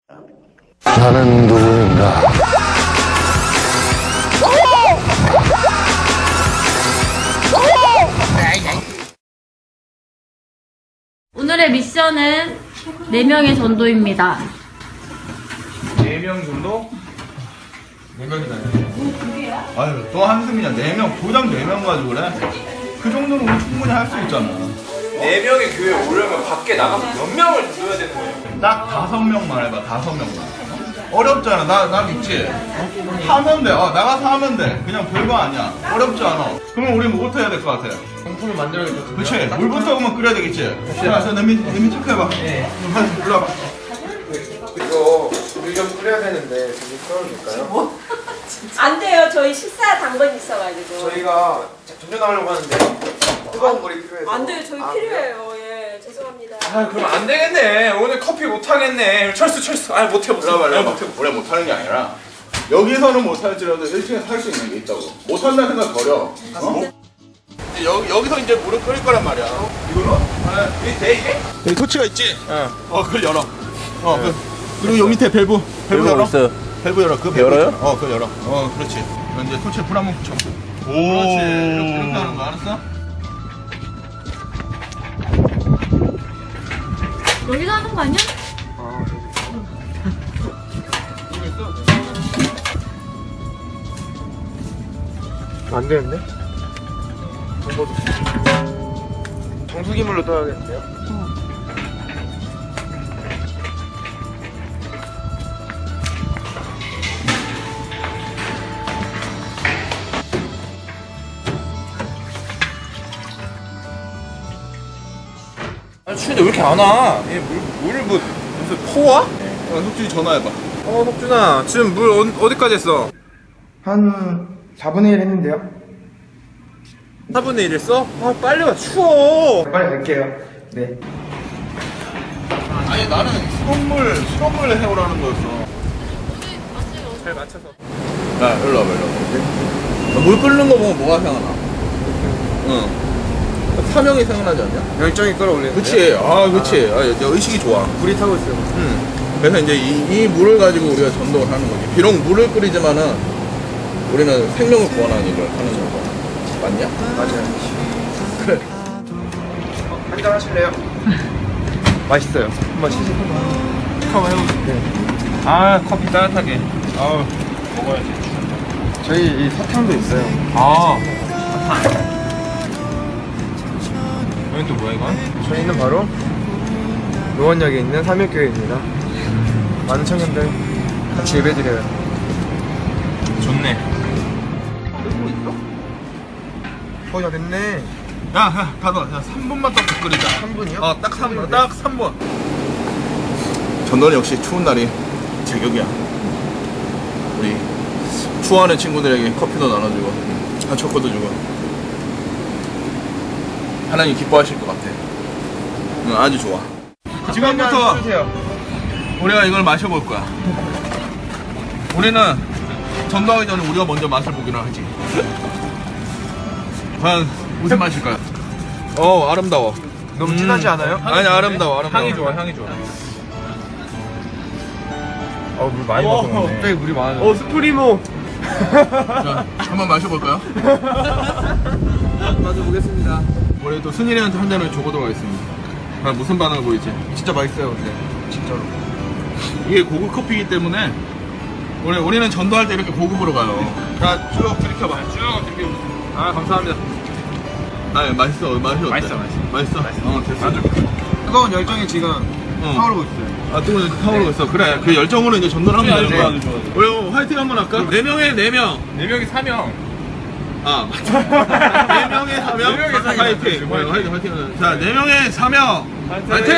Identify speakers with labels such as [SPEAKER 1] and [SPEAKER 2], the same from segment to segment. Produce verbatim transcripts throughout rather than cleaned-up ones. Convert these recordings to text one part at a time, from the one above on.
[SPEAKER 1] 나는 누구인가?
[SPEAKER 2] 오늘의 미션은 네 명의 전도입니다.
[SPEAKER 3] 네 명 정도? 네 명이나 아유 또 한숨이냐. 네 명 고장 네 명 가지고 그래? 그 정도는 우리 충분히 할 수 있잖아.
[SPEAKER 4] 네 명의 교회에 오려면 밖에 나가서 몇 명을 넣어야 되는 거예요?
[SPEAKER 3] 딱 다섯 명만 해봐. 다섯 명만. 어렵잖아. 나, 나 믿지? 어? 하면 돼. 어, 나가서 하면 돼. 그냥 별거 아니야. 어렵지 않아. 그러면 우리 뭐부터 해야 될 것 같아?
[SPEAKER 4] 공품을 만들어야겠다.
[SPEAKER 3] 그치? 물부터 그러면 끓여야 되겠지? 자, 자, 내미, 내미 체크해봐. 네. 일로 와봐.
[SPEAKER 4] 이거 물 좀 끓여야 되는데 좀 끓여줄까요?
[SPEAKER 5] 뭐? 안 돼요. 저희 식사 당번이 있어가지고.
[SPEAKER 4] 저희가 전전하려고 하는데 뜨거운 물이 필요해서.
[SPEAKER 5] 안 돼요. 저희
[SPEAKER 4] 아,
[SPEAKER 5] 필요해요. 예, 죄송합니다.
[SPEAKER 4] 아 그럼 안 되겠네. 오늘 커피 못 하겠네. 철수 철수. 아 못해 못해.
[SPEAKER 3] 일로 와봐, 일로 와봐.
[SPEAKER 4] 못해.
[SPEAKER 3] 원래 못하는 게 아니라 여기서는 못할지라도 일 층에서 할 수 있는 게 있다고. 못한다는 생각 버려. 어? 여기, 여기서 이제 물을 끓일 거란 말이야. 이걸로? 아, 이게 돼 이게? 여기 토치가 있지? 어. 어, 그걸 열어. 어, 네. 그, 그리고 여기 밑에 밸브. 밸브 열어. 있어요. 밸브 열어. 그 밸브 열어요? 어, 그거 열어. 어, 그렇지. 그럼 이제 토치에 불 한번 붙여. 오. 그렇지. 이렇게, 이렇게 하는 거 알았어?
[SPEAKER 2] 여기서 하는 거 아니야?
[SPEAKER 4] 안 되는데? 정수기물로 떠야겠는데요? 아 추운데 왜 이렇게 안 와? 얘 물, 물을 뭐 무슨 포와?
[SPEAKER 3] 어, 석준이 전화해봐.
[SPEAKER 4] 어 석준아 지금 물 어, 어디까지 했어?
[SPEAKER 6] 한 사분의 일 했는데요?
[SPEAKER 4] 사분의 일 했어? 아 빨리 와 추워.
[SPEAKER 6] 빨리 갈게요. 네.
[SPEAKER 3] 아니, 나는 수돗물, 수돗물 해오라는 거였어.
[SPEAKER 4] 잘 맞춰서.
[SPEAKER 3] 야, 일로 와봐, 일로 와봐. 물 끓는 거 보면 뭐가 생각나? 응. 사명이 생각나지 않냐?
[SPEAKER 4] 열정이 끌어올리는.
[SPEAKER 3] 그치. 아, 그치. 아, 이제 의식이 좋아.
[SPEAKER 4] 불이 타고 있어요.
[SPEAKER 3] 응. 그래서 이제 이, 이 물을 가지고 우리가 전도를 하는 거지. 비록 물을 끓이지만은 우리는 생명을 구원하는 일을 하는 거고. 맞냐?
[SPEAKER 4] 맞아요.
[SPEAKER 3] 그래.
[SPEAKER 4] 한잔 하실래요? 맛있어요. 한번 시식 한번 해보세요. 네. 아 커피 따뜻하게. 아우 먹어야지.
[SPEAKER 6] 저희 이 사탕도 있어요.
[SPEAKER 4] 아 사탕. 여기 또 뭐야 이건?
[SPEAKER 6] 저희는 바로 노원역에 있는 삼일교회입니다. 많은 청년들 같이 예배드려요.
[SPEAKER 4] 좋네.
[SPEAKER 6] 거의 다 됐네.
[SPEAKER 3] 야, 야, 가둬. 야, 삼 분만 더 끓이자.
[SPEAKER 6] 삼 분이요?
[SPEAKER 3] 어, 딱 삼 분. 딱 삼 분. 전도는 역시 추운 날이 제격이야. 우리 추워하는 친구들에게 커피도 나눠주고, 아, 초코도 주고. 하나님 기뻐하실 것 같아. 응, 아주 좋아. 지금부터 우리가 이걸 마셔볼 거야. 우리는 전도하기 전에 우리가 먼저 맛을 보기로 하지. 과연 무슨 맛일까요? 어, 아름다워.
[SPEAKER 6] 너무 진하지 않아요?
[SPEAKER 3] 아니, 아름다워, 아름다워.
[SPEAKER 4] 향이 좋아 향이 좋아.
[SPEAKER 6] 어, 물 많이 먹었네.
[SPEAKER 4] 갑자기 물이 많아져. 어 스프리모.
[SPEAKER 3] 자, 한번 마셔볼까요?
[SPEAKER 4] 마셔보겠습니다.
[SPEAKER 3] 우리 또 순이한테 한 잔을 줘보도록 하겠습니다. 아, 무슨 반응을 보이지?
[SPEAKER 6] 진짜 맛있어요, 근데. 진짜로.
[SPEAKER 3] 이게 고급 커피이기 때문에 우리, 우리는 전도할 때 이렇게 고급으로 가요. 자, 쭉 들이켜봐. 쭉 들이켜.
[SPEAKER 4] 아 감사합니다.
[SPEAKER 3] 아, 맛있어. 맛이 어때?
[SPEAKER 4] 맛있어, 맛있어.
[SPEAKER 3] 맛있어? 어, 됐어. 아주.
[SPEAKER 6] 뜨거운 열정이 지금
[SPEAKER 3] 어.
[SPEAKER 6] 타오르고 있어요.
[SPEAKER 3] 아, 뜨거운 열정 타오르고 있어. 그래, 그 열정으로 이제 전도를 하면 되는 거야. 우리 화이팅 한번 할까? 네 명에 네 명.
[SPEAKER 4] 네 명이 사명.
[SPEAKER 3] 아, 맞다. 네 명의 사명.
[SPEAKER 4] 네 명의 사명.
[SPEAKER 3] 화이팅.
[SPEAKER 4] 화이팅.
[SPEAKER 3] 화이팅, 화이팅. 자, 네 명의 사명. 화이팅!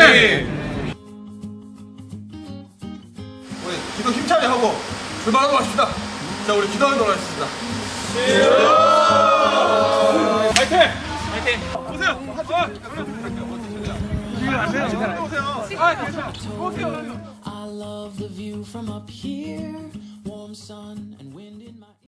[SPEAKER 3] 우리 기도 힘차게 하고 출발하도록 하십시다. 자, 우리 기도하도록 하겠습니다. 화이팅! 화이팅! 오세요! 오세요! 오세요!
[SPEAKER 7] I love the view from up here, warm sun and wind.